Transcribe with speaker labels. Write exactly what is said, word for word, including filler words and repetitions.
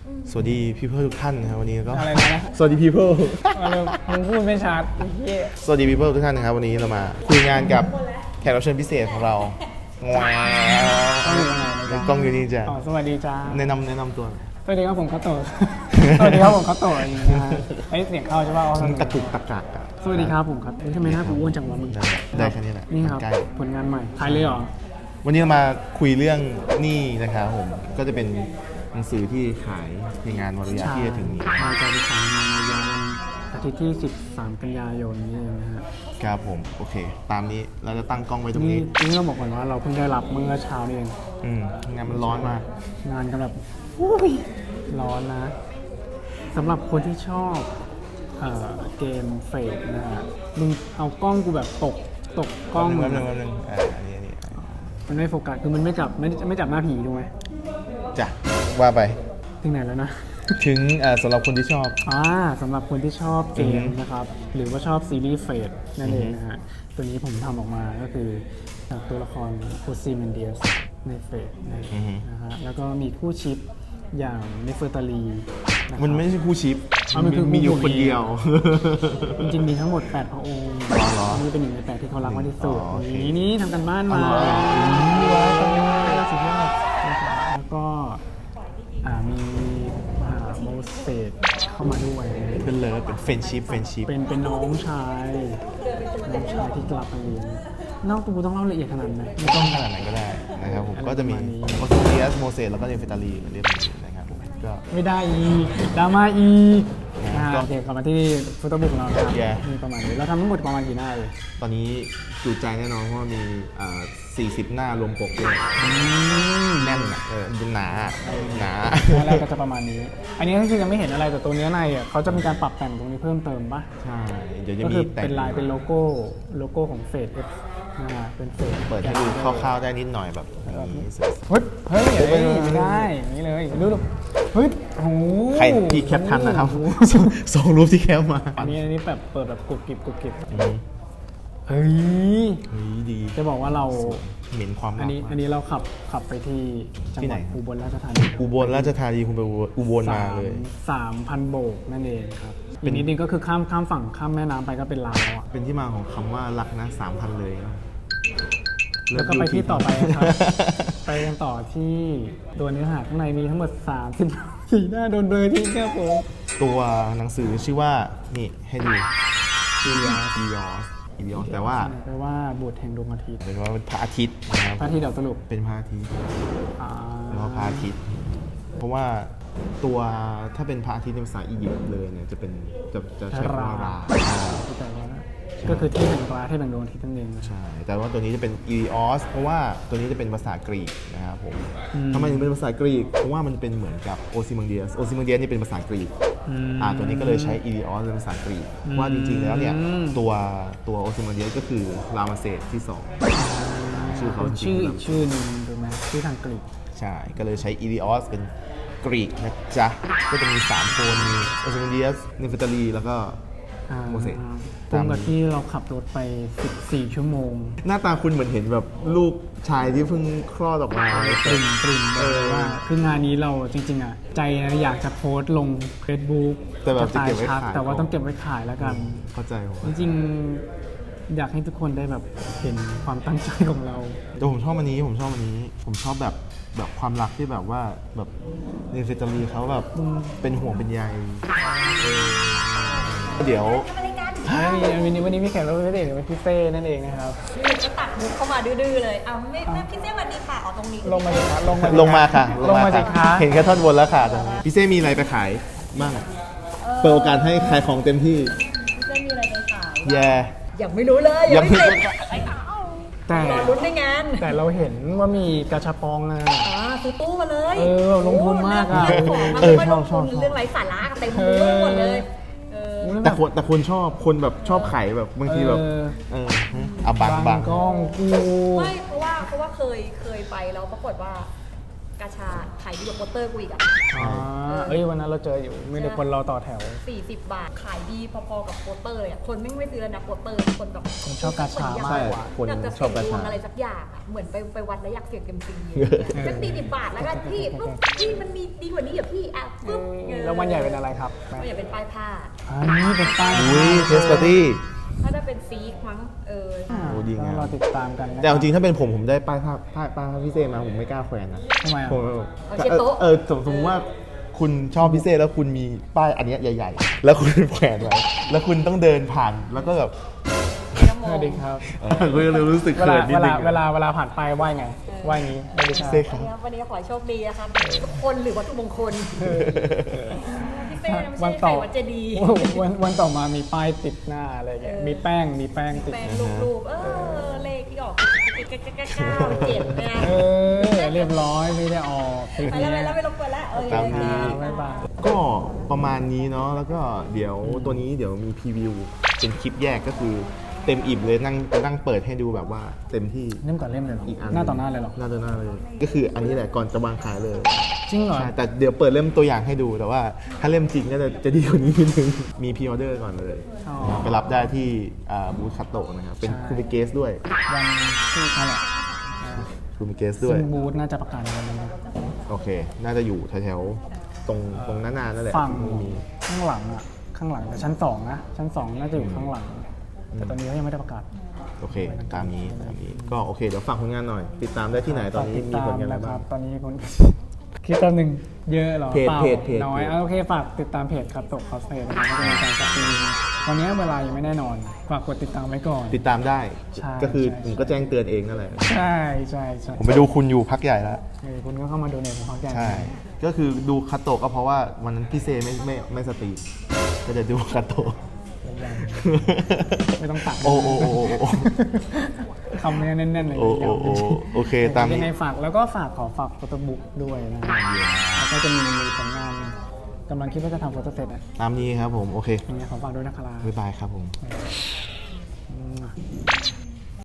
Speaker 1: สวัสดีพี่เพื่อนทุกท่านนะครับวันนี้ก็
Speaker 2: อะไรนะ
Speaker 1: สวัสดีพี่เพื่อน
Speaker 2: อะไรมึงพูดไม่ชัดเฮีย
Speaker 1: สวัสดีพี่เพื่อนทุกท่านนะครับวันนี้เรามาคุยงานกับแขกรับเชิญพิเศษของเราว้าวในกล้องอยู่นี่จ้ะ
Speaker 2: อ๋อสวัสดีจ้า
Speaker 1: แนะนำแนะนำตัว
Speaker 2: สวัสดีครับผมคัตโตะ สวัสดีครับผมคัตโตะอย่างเงี้ยนะไอ้เสียงเข้าใช่ป่ะ
Speaker 1: มันตะกุกตะกักอะ
Speaker 2: สวัสดีครับผมครับทำไมหน้ากูอ้วนจังวะมึง
Speaker 1: ได้ได้แค่นี้แหละ
Speaker 2: นี่ครับ
Speaker 1: ใกล้
Speaker 2: ผลงานใหม่ถ่ายเลยเหรอ
Speaker 1: วันนี้เรามาคุยเรื่องหนี้นะครับผมก็จะเป็นหนังสือที่ขายในงานวารยะที่จะถึงนี้
Speaker 2: มาจากที่ขายงานในวันอาทิตย์ที่สิบสามกันยายนนี้เองนะฮะ
Speaker 1: ครับผมโอเค ตามนี้เราจะตั้งกล้องไว้ตรง
Speaker 2: นี่
Speaker 1: นี้
Speaker 2: นี่เราบอกก่อนว่าเราเพิ่งได้รับเมื่อเช้านี่เอง
Speaker 1: อืมงานมันร้อนมาก
Speaker 2: งานกันแบบอุ้ยร้อนนะสำหรับคนที่ชอบเอ่อเกมเฟดนะฮะมึงเอากล้องกูแบบตกตกกล้อง
Speaker 1: แป๊บ
Speaker 2: มึ
Speaker 1: นึ
Speaker 2: ง
Speaker 1: งแป๊บนึงแป๊บนึงอ่าอันนี้อันนี้
Speaker 2: มันไม่โฟกัสคือมันไม่จับไม่ไม่จับหน้าผีถูกไหม
Speaker 1: จ้ะว่าไป
Speaker 2: ถึงไหนแล้วนะ
Speaker 1: ถึงเอ่อสำหรับคนที่ชอบ
Speaker 2: อ่าสำหรับคนที่ชอบเกม
Speaker 1: อือฮึ
Speaker 2: นะครับ หรือว่าชอบซีรีส์เฟดนั่นเองนะฮะตัวนี้ผมทำออกมาก็คือจากตัวละครโอซิเมนเดียสในเฟดนะฮะแล้วก็มีคู่ชิปอย่างเนเฟอร์ตาลีนะครับ
Speaker 1: มันไม่ใช่คู่ชิป
Speaker 2: อ๋อมันคือ
Speaker 1: มีอยู่
Speaker 2: คู่
Speaker 1: คนเดียว
Speaker 2: จริงๆมีทั้งหมดแปดพระองค์
Speaker 1: อ๋อเหรอ
Speaker 2: นี่เป็นหนึ่งในแปดที่เขารักมากที่สุด
Speaker 1: อ๋อโอเค
Speaker 2: นี่นี่ทำกันบ้านมา
Speaker 1: อ๋อเหรอ
Speaker 2: ว้าวตรงนี้สุดยอดนะครับแล้วก็อ่ามีมหาโมเสสเข้ามาด้วย
Speaker 1: เป็นเลิฟเป็นเฟนชิปเฟนชิป
Speaker 2: เป็นเป็นน้องชายน้องชายที่กลับมาเรียนเล่าตูต้องเล่าละเอียดขนาดไหน
Speaker 1: ไม่ต้องขนาดไหนก็ได้นะครับผม
Speaker 2: อะไร
Speaker 1: ก็จะมี
Speaker 2: ประมาณนี้
Speaker 1: โอซิเลียสโมเสสแล้วก็เนเฟตาลีเหมือนเดิมนะครับผมก็
Speaker 2: ไม่ได้อีกดราม่าอีก
Speaker 1: นะ
Speaker 2: อ่า
Speaker 1: ก็
Speaker 2: โอเคกลับมาที่ฟุตบอลของเรานะครับ
Speaker 1: Yeah
Speaker 2: มีประมาณนี้เราทำทั้งหมดประมาณกี่หน้าเลย
Speaker 1: ตอนนี้จุใจแน่นอนเพราะว่ามีอ่าสี่สิบหน้ารวมปกด้วยแน่นอ่ะเออหนาอะหนา
Speaker 2: แรกก็จะประมาณนี้ อันนี้คือยังไม่เห็นอะไรแต่ตัวเนื้อในอ่ะเขาจะมีการปรับแต่งตรงนี้เพิ่มเติมปะ
Speaker 1: ใช่ เดี๋ยวจะ
Speaker 2: ก็
Speaker 1: มี
Speaker 2: คือ
Speaker 1: แต่ง
Speaker 2: เป็นลายเป็นโลโก้โลโก้ของเฟดเอฟนะฮะเป็นเฟด
Speaker 1: เปิดให้ดูคร่าวๆได้นิดหน่อยแบบนี้สวย
Speaker 2: เฮ้ยเฮ้ยเฮ้ยไม่ได้อย่างนี้เลยดูดูเฮ้ยโอ้โห
Speaker 1: ๆใครที่แคปทันนะครับ
Speaker 2: โอ้โห
Speaker 1: ส่งรูปที่แคปมา
Speaker 2: อันนี้อันนี้แบบเปิดแบบกรุบกริบกรุบกริบ
Speaker 1: อืม
Speaker 2: เฮ้ย
Speaker 1: เฮ้ยดี
Speaker 2: จะบอกว่าเรา
Speaker 1: เหม็นความ
Speaker 2: อั
Speaker 1: รั
Speaker 2: น
Speaker 1: ก
Speaker 2: นี้
Speaker 1: มาก
Speaker 2: อันนี้เราขับขับไปที่จัง
Speaker 1: ที่
Speaker 2: ห
Speaker 1: ไหน
Speaker 2: วัด
Speaker 1: ครับ
Speaker 2: อุบลราชธานี
Speaker 1: อุบลราชธานีคุณไปอุบลมาเลย
Speaker 2: สามพันโบกนั่นเองครับ
Speaker 1: เป็
Speaker 2: อี
Speaker 1: น
Speaker 2: กนิดนึงก็คือข้ามข้ามฝั่งข้ามแม่น้ำไปก็เป็นลาวแล้วอะ
Speaker 1: เป็นที่มาของคำว่ารักนะสามพันเลยนะ
Speaker 2: แล้วก็ไปที่ต่อไปครับ ไปกันต่อที่ตัวเนื้อหาข้างในมีทั้งหมดสามสิบสี่หน้าโดนเบลอที่แค่ผม
Speaker 1: ตัวหนังสือชื่อว่า นี่ให้ดูอียอสอียอสอียอสแต่ว่า
Speaker 2: แปลว่าบุตรแห่งดวงอาทิตย์
Speaker 1: เป็นว่าเป็นพระอาทิตย์นะครับ
Speaker 2: พระอาทิตย์เดี๋ยวสรุป
Speaker 1: เป็นพระอาทิตย์
Speaker 2: อ่า
Speaker 1: เป็นว่าพระอาทิตย์ เพราะว่าตัวถ้าเป็นพระอาทิตย์ในภาษาอียิปต์เลยเนี่ยจะเป็นจะจะใช้คำว่าราอ่า
Speaker 2: ที่แปลว่าก็คือที่แห่งราที่แห่งดวงอาทิตย์นั่นเองนะ
Speaker 1: ใช่ แต่ว่าตัวนี้จะเป็นอีริออสเพราะว่าตัวนี้จะเป็นภาษากรีกนะครับผม
Speaker 2: อืม
Speaker 1: ทำไมถึงเป็นภาษากรีก เพราะว่ามันเป็นเหมือนกับโอซิมังเดียสโอซิมังเดียสนี่เป็นภาษากรีก
Speaker 2: อืม
Speaker 1: อ่าตัวนี้ก็เลยใช้อีริออสเป็นภาษากรีกว่าจริงๆแล้วเนี่ย
Speaker 2: อืม
Speaker 1: ตัวตัวโอซิมังเดียสก็คือรามาเซสที่สอง ชื่อเขาจริงๆ
Speaker 2: ชื่ออีกชื่อหนึ่งถูกไหมชื่อทางกรีก
Speaker 1: ใช่ ก็เลยใช้อีริออสเป็นกรีกนะจ๊ะ ก็จะมีสามคนมีโอซิมังเดียสเนฟตาลีแล้วก็
Speaker 2: อ่า
Speaker 1: โมเสส
Speaker 2: ตรงกับที่เราขับรถไปสิบสี่ชั่วโมง
Speaker 1: หน้าตาคุณเหมือนเห็นแบบลูกชายที่เพิ่งคลอดออกมา
Speaker 2: ปริ่มปริ่มเล
Speaker 1: เอย อ
Speaker 2: ว่าคืองานนี้เราจริงๆอ่ะใจนะอยากจะโพสต์ลง Facebook
Speaker 1: แต่แบบจะเก็บไว้
Speaker 2: ชัด
Speaker 1: ขาย
Speaker 2: แต่ว่า
Speaker 1: ก่อน
Speaker 2: ต้องเก็บไว้ขายแล้วกัน
Speaker 1: เข้าใจผม
Speaker 2: จริงๆอยากให้ทุกคนได้แบบเห็นความตั้งใจของเรา
Speaker 1: แต่ผมชอบอันนี้ผมชอบอันนี้ ผมชอบแบบแบบความรักที่แบบว่าแบบเนฟตาลีเขาแบบเป็นห่วงเป็นใยเออเดี๋ยว
Speaker 2: วันนี้วันนี้มีแขกรับเชิญพิเศษเป็นพี่เต้นั่นเองนะครับ
Speaker 3: อยู่ก็ตัดมุกเข้ามาดื้อๆเลยเอาไม่ไม่พี่เต้สวัสดีค่ะเอาตรงนี้
Speaker 2: ลงมาสิคะลงมา
Speaker 1: ลงมาค่ะ
Speaker 2: ลงมาสิคะ
Speaker 1: เห็นแค่ท่อนบนแล้วค่ะตอนนี้พี่เซ่มีอะไรไปขายบ้างเปิดโอกาสให้ขายของเต็มที่
Speaker 3: พี่เต้มีอะไรไปขาย
Speaker 1: แย่
Speaker 3: ยังไม่รู้เลย
Speaker 1: ยั
Speaker 3: ยัง ง
Speaker 1: ไม่
Speaker 3: ไม่เสร็จ
Speaker 2: แต่
Speaker 3: รอลุ้นในงาน
Speaker 2: แต่เราเห็นว่ามีกระชับปองอ่ะ
Speaker 3: อ่าซื้อตู้มาเลย
Speaker 2: เออลงทุนมากอะ
Speaker 3: เรื่องของมัน
Speaker 2: เออ
Speaker 3: ไม่
Speaker 2: ช
Speaker 3: ล
Speaker 2: อบ
Speaker 3: ง
Speaker 2: ชอ
Speaker 3: ทุ
Speaker 2: บ
Speaker 3: นเรื่องไร้สาระเต็มไปหมดเลยเออ
Speaker 1: แต่คนแต่คนชอบคนแบบชอบขายแบบบางทีแบบ
Speaker 2: เออ
Speaker 1: เออเอาบังบัง
Speaker 2: กล้องกู
Speaker 3: ไม่เพราะว่าเพราะว่าเคยเคยไปแล้วปรากฏว่าไปกาชาขายดีกว่าโปสเตอร์กูอีกอ่ะ
Speaker 2: อ๋อเอ้ยวันนั้นเราเจออยู่มีแต่คนรอต่อแถว
Speaker 3: สี่สิบบาทขายดีพอๆกับโปสเตอร์เลยอ่ะคนไม่ไม่ซื้อแล้วนะโปสเตอร์คนแบบ
Speaker 2: ผมชอบกาชา
Speaker 3: เหอน
Speaker 2: มาก
Speaker 3: อย
Speaker 2: กว่า
Speaker 1: คน
Speaker 3: อยากจะ
Speaker 1: ชอบกา
Speaker 3: เสี่ยงดว
Speaker 1: ชาง
Speaker 3: อะไรสักอย่างอ่ะเหมือนไปไปวัดแล้วอยากเสี่ยงเต็มซีสักสี่สิบบาทแล้วกันพี่ปุ๊บพี่มันมีดีกว่านี้เหรอพี่อ่ะปุ๊บ
Speaker 2: แล้ววันใหญ่เป็นอะไรครับ
Speaker 3: มันอยากเป็นป้ายผ้า
Speaker 2: อันนี้เป็นป้าย
Speaker 1: อุ้ยเทสปาร์ตี้
Speaker 3: ถ้าจะเป็นซีกมั้งเออ
Speaker 2: อ่า
Speaker 1: โอ้ดีงาม
Speaker 2: เราติดตามกันนะ
Speaker 1: แต่เอาจริงถ้าเป็นผมผมได้ป้ายภาพป้ายป้ายภาพพี่เซมาผมไม่กล้าแขวนนะ
Speaker 2: ทำไมอ่ะ
Speaker 1: ผม
Speaker 3: เอาเช็ดโต๊ะ
Speaker 1: เออสมสมมติว่าคุณชอบพี่เซแล้วคุณมีป้ายอันเนี้ยใหญ่ ๆ แล้วคุณแขวนไว้แล้วคุณต้องเดินผ่านแล้วก็แบบ
Speaker 2: สวัสดีครับ
Speaker 1: เออก็เลยรู้สึก
Speaker 2: เว
Speaker 1: เขิ
Speaker 2: ลาน
Speaker 1: นิ
Speaker 2: เว
Speaker 1: ดนึ
Speaker 2: ลาง เวลาเวลาผ่านไปไหวไงไหวงี้สวัสดีครับ
Speaker 1: เซ่ครับ
Speaker 3: วันนี้วันนี้ขอให้โชคดีนะครับทุกคนหรือวัตถุมงคลพี่เป้นะไม่
Speaker 2: วั
Speaker 3: ใช่
Speaker 2: น
Speaker 3: ไข่
Speaker 2: ต่อ
Speaker 3: วัดเจดีย์
Speaker 2: วันวันต่อมามีป้ายติดหน้าอะไรเงี้ย
Speaker 3: เออ
Speaker 2: มีแป้งมีแป้งติด
Speaker 3: แปลงรูปๆเออเลขที่ออกเก้าเก้าเก้าเจ็ดเนี่ย
Speaker 2: เออเรียบร้อยไม่ได้ออกคลิป
Speaker 3: ไป
Speaker 2: นี้
Speaker 3: แล้วไปแล้วไม่รบกวนแล้วเออ
Speaker 1: ตามนี้
Speaker 2: บ๊ายบาย
Speaker 1: ก็ประมาณนี้เนาะแล้วก็เดี๋ยวตัวนี้เดี๋ยวมีพรีวิวเป็นคลิปแยกก็คือเต็มอิ่มเลยนั่งนั่งเปิดให้ดูแบบว่าเต็มที่
Speaker 2: เล่มก่อนเล่มเลยเหรอ
Speaker 1: อีกอัน
Speaker 2: หน้าต่อหน้าเลยเหรอ
Speaker 1: หน้าต่อหน้าเลย ก็คืออันนี้แหละก่อนจะวางขายเลย
Speaker 2: จริงเหรอ
Speaker 1: ใช่แต่เดี๋ยวเปิดเล่มตัวอย่างให้ดูแต่ว่าถ้าเล่มจริงก็จะจะดีกว่านี้นิดนึงมีพรีออเดอร์ก่อนเลย
Speaker 2: อ๋อ
Speaker 1: ไปรับได้ที่อ่าบูธคัตโตะนะครับเป็น
Speaker 2: ใช่
Speaker 1: คูมิเกสด้วย
Speaker 2: วันที่นั่นแหละอ่า
Speaker 1: คูมิเกสด้วย
Speaker 2: ซึ่งบูธน่าจะประกาศในวันนี้นะ
Speaker 1: โอเค น่าจะอยู่แถวๆตรงตรงหน้าๆนั่นแหละ
Speaker 2: ฝั่ง
Speaker 1: มี
Speaker 2: ข้างหลังอ่ะข้างหลังแต่ชั้นสองนะชั้นสองน่าจะอยู่ข้างหลัง แต่ตอนนี้เขายังไม่ได้ประกาศ
Speaker 1: โอเค ตามนี้ตามนี้ก็โอเคเดี๋ยวฝากผลงานหน่อย ติดตามได้ที่ไหนตอนนี้มีผลงานอะไร
Speaker 2: นะค
Speaker 1: บ้า
Speaker 2: รั
Speaker 1: ง
Speaker 2: บตอนนี้คน คิดตอนหนึ่งเยอะเหรอ
Speaker 1: เพจ
Speaker 2: ปล่า
Speaker 1: เพจเพจ
Speaker 2: น้อย
Speaker 1: เพจ
Speaker 2: อ่ะโอเคฝากติดตามเพจครับตกคอสเพจนะครับก็จะมีการสตรีมวันนี้เวลายังไม่แน่นอน ฝากกดติดตามไว้ก่อน
Speaker 1: ติดตามได้
Speaker 2: ใช่
Speaker 1: ก็คือ
Speaker 2: ใช่
Speaker 1: ผมก็แจ้งเตือนเองนั่นแหละ
Speaker 2: ใช่ใช่ใช่
Speaker 1: ผมไปดูคุณอยู่พักใหญ่แล้ว
Speaker 2: เออคุณก็เข้ามาดูในผมพักใหญ่
Speaker 1: ใช่ ก็คือดูคัตโตะก็เพราะว่าวันนั้นพี่เซไม่ไม่ไม่สตรีมก็จะดูคัตโตะ
Speaker 2: ไม่ต้องตัด
Speaker 1: โอ้โอ้โอ้โอ้โอ้
Speaker 2: คำนี้แน่นๆเลย
Speaker 1: โอ้โอ้โอ้โอเคตามนี้
Speaker 2: ยังไงฝากแล้วก็ฝากขอฝากโฟโต้บุ๊กด้วยนะครับแล้วก็จะมีผลงานกำลังคิดว่าจะทำโฟโต้เซตอ่ะ
Speaker 1: ตามนี้ครับผม โอเค
Speaker 2: ยังไงขอฝากด้วยนะครับ
Speaker 1: บ๊ายบายครับผม
Speaker 2: บ